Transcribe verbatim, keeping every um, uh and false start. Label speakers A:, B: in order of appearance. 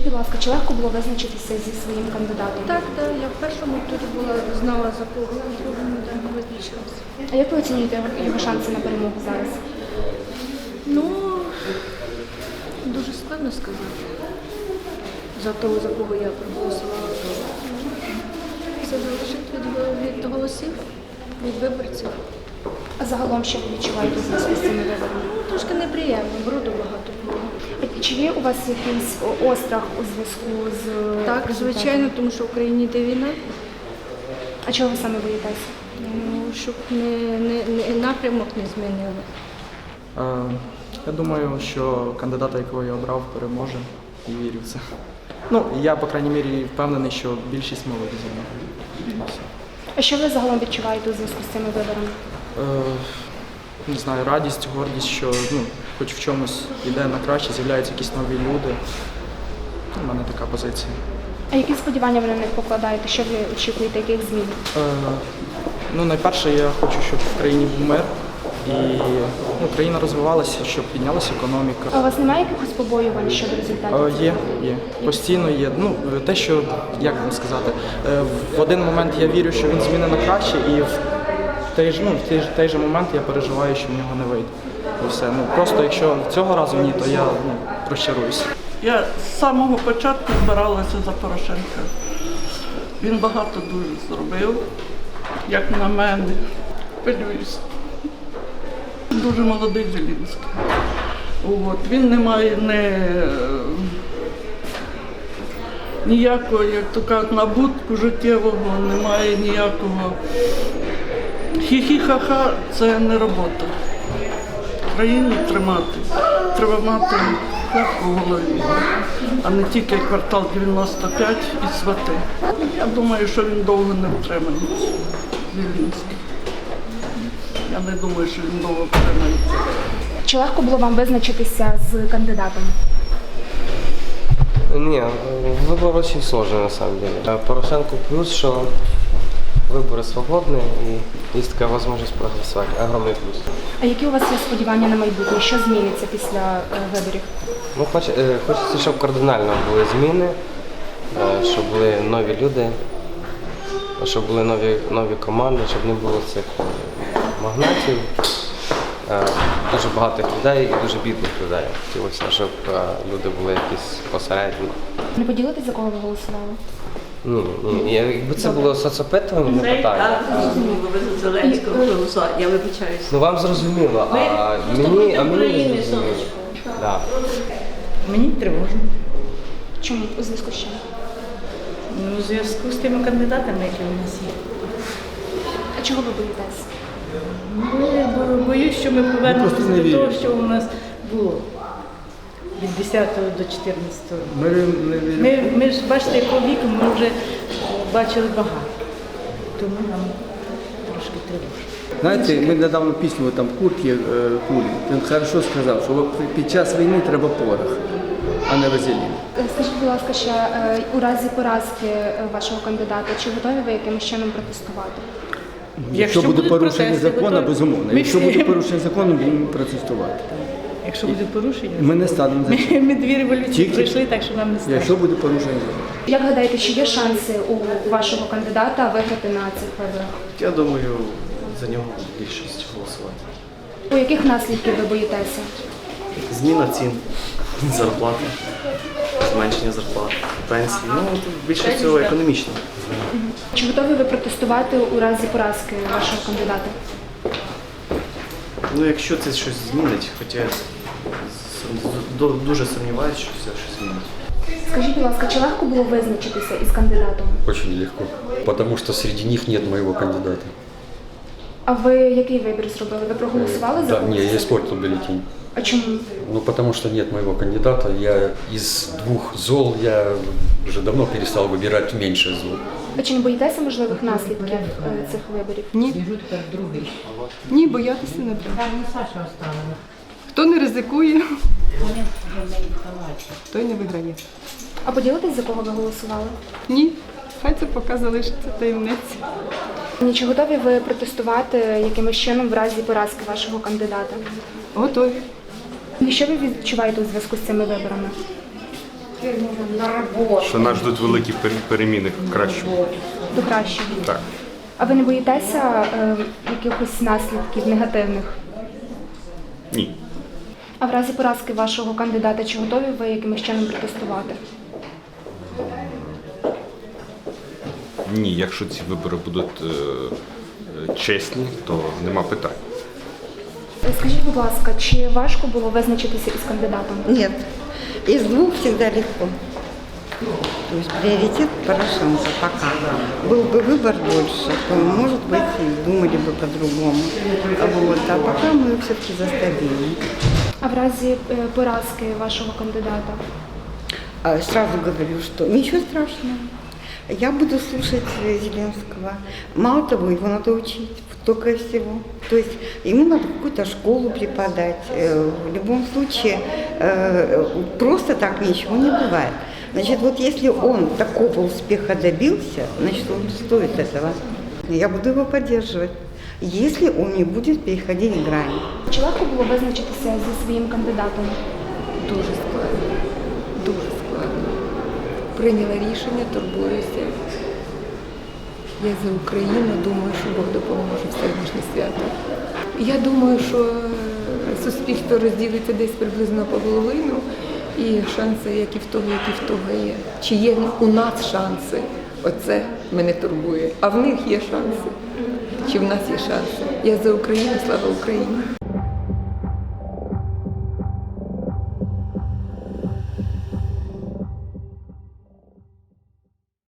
A: будь ласка, чи легко було визначитися зі своїм кандидатом?
B: Так, так, я в першому турі була, знала за кого, а в другому так визначилася.
A: А як ви оцінюєте його- його шанси на перемогу зараз?
B: Ну, дуже складно сказати. За того, за кого я проголосувала. Все залежить від, від голосів, від виборців.
A: А загалом, що ви відчуваєте у зв'язку з цими виборами?
B: Ну, трошки неприємно, бруду багато було.
A: А Чи є у вас якийсь о, острах у зв'язку з
B: Так,
A: результатом?
B: звичайно, тому що в Україні йде війна.
A: А чого ви саме боїтеся?
B: Ну, щоб не, не, не, напрямок не змінили.
C: Е, Я думаю, що кандидата, якого я обрав, переможе і вірю в це. Ну, я, по крайній мірі, впевнений, що більшість молоді за мною.
A: А що ви загалом відчуваєте у зв'язку з цими виборами?
C: Е, Не знаю, радість, гордість, що ну, хоч в чомусь йде на краще, з'являються якісь нові люди. У мене така позиція.
A: А які сподівання ви на них покладаєте? Що ви очікуєте, яких змін?
C: Е, Ну, найперше, я хочу, щоб в країні був мир і ну, країна розвивалася, щоб піднялася економіка.
A: А у вас немає якихось побоювань щодо результатів?
C: Е, Є, є. Постійно є. Ну, те, що, як вам сказати, е, в один момент я вірю, що він зміни на краще, і в той ж, ну, в той, ж- той же момент я переживаю, що в нього не вийде. І все. Ну, просто якщо цього разу ні, то я ну, розчаруюся.
D: Я з самого початку збиралася за Порошенка. Він багато дуже зробив, як на мене. Хвилююся. Дуже молодий Зеленський. От. Він не має не, ніякого, як то кажуть, набутку життєвого, немає ніякого. Хі-хі-ха-ха – це не робота. Країну тримати. Треба мати хлеб у голові, а не тільки квартал дев'яносто п'ять і свати. Я думаю, що він довго не втримається, Зеленський. Я не думаю, що він довго втримається.
A: Чи легко було вам визначитися з кандидатом?
E: Не, выбор очень сложный на самом деле. Порошенко плюс, что выборы свободные и есть такая возможность проголосовать. Огромный плюс.
A: А які у вас є сподівання на майбутнє? Що зміниться після е, виборів?
E: Ну, хоч, е, хочеться, щоб кардинально були зміни, е, щоб були нові люди, щоб були нові, нові команди, щоб не було цих е, магнатів, е, дуже багатих людей і дуже бідних людей. Хотілося, щоб е, люди були якісь посередні.
A: Не поділитесь, за кого ви голосували?
E: Ні, ні, якби це було соцопитування, не питання.
F: Зрозуміло, ви за Зеленського голосували. Я вибачаюся.
E: Ну вам зрозуміло,
F: Ми
E: а
F: просто
E: мені,
F: проти
E: а мені не
F: України,
E: зрозуміло.
F: сонечко.
E: Да.
G: Мені тривожно.
A: Чому? У зв'язку з чим?
G: Ну, у зв'язку з тими кандидатами, які у нас є.
A: А чого ви боїтесь?
G: Бо- бо- Боюсь, що ми повернемося до того, що у нас було від десятого до чотирнадцятого.
H: Ми не віримо.
G: Ми, ми ж бачите, якого віку ми вже бачили багато. Тому нам трошки тривожно.
H: Знаєте, ми недавно пісню там Курт є е, Кулі. Він хорошо сказав, що під час війни треба порох, а не вазелін.
A: Е, Скажіть, будь ласка, ще е, у разі поразки е, вашого кандидата, чи готові ви якимось чином протестувати?
H: Якщо буде
G: будуть
H: порушення
G: протести,
H: закону,
G: готові.
H: безумовно.
G: Ми
H: Якщо
G: всі-
H: буде порушення закону, будемо протестувати.
G: Якщо буде порушення,
H: Ми не станемо за
G: ми, ми дві революції
H: Тільки-
G: пройшли, так що нам не страшно.
H: якщо буде порушення закону.
A: Як гадаєте, чи є шанси у вашого кандидата виграти на цих виборах?
I: Я думаю, за нього більшість голосувати.
A: У яких наслідків ви боїтеся?
I: Зміна цін, зарплати, зменшення зарплат, пенсії. Ну, тут більше всього економічно.
A: Чи готові ви протестувати у разі поразки вашого кандидата?
I: Ну, якщо це щось змінить, хоча я сум- ду- дуже сумніваюся, що це щось змінить.
A: Скажіть, будь ласка, чи легко було визначитися із кандидатом?
J: Очень легко, потому что среди них нет моего кандидата.
A: А ви який вибір зробили? Ви проголосували за
J: Да,
A: когось?
J: не, я испортил бюллетень.
A: А чому?
J: Ну, потому что нет моего кандидата. Я из двух зол, я уже давно перестал выбирать меньше зол.
A: А чи не боїтеся можливих наслідків е, цих виборів?
K: Ні. Ні, боятися не треба. Хто не ризикує, той не виграє.
A: А поділитесь, за кого ви голосували?
K: Ні, хай це поки залишиться таємниця.
A: Ні, чи готові ви протестувати якимось чином в разі поразки вашого кандидата?
K: Готові.
A: І що ви відчуваєте у зв'язку з цими виборами?
L: що нас ждуть великі пер- переміни в кращому.
A: До кращого.
L: Так.
A: А ви не боїтеся е, якихось наслідків негативних?
L: Ні.
A: А в разі поразки вашого кандидата, чи готові ви якимось чином протестувати?
L: Ні, якщо ці вибори будуть е, е, чесні, то нема питань.
A: Е, Скажіть, будь ласка, чи важко було визначитися із кандидатом?
M: Нет. Из двух всегда легко. То есть приоритет Порошенко пока. Был бы выбор больше, то, может быть, и думали бы по-другому. Вот. А пока мы все-таки за стабильность.
A: А в разі е, поразки вашого кандидата?
M: А Сразу говорю, что ничего страшного. Я буду слушать э, Зеленского. Мало того, его надо учить только и всего. То есть ему надо какую-то школу преподать. Э, В любом случае, э, просто так ничего не бывает. Значит, вот если он такого успеха добился, значит, он стоит этого. Я буду его поддерживать, если он не будет переходить грань.
A: Чи легко було визначитися зі своїм кандидатом?
K: Дуже складно. Дуже складно. Прийняла рішення, турбуюся. Я за Україну, думаю, що Бог допоможе в сьогоднішнє свято. Я думаю, що е, суспільство розділиться десь приблизно половину, і шанси, як і в того, як і в того є. Чи є у нас шанси? Оце мене турбує. А в них є шанси. Чи в нас є шанси? Я за Україну, слава Україні.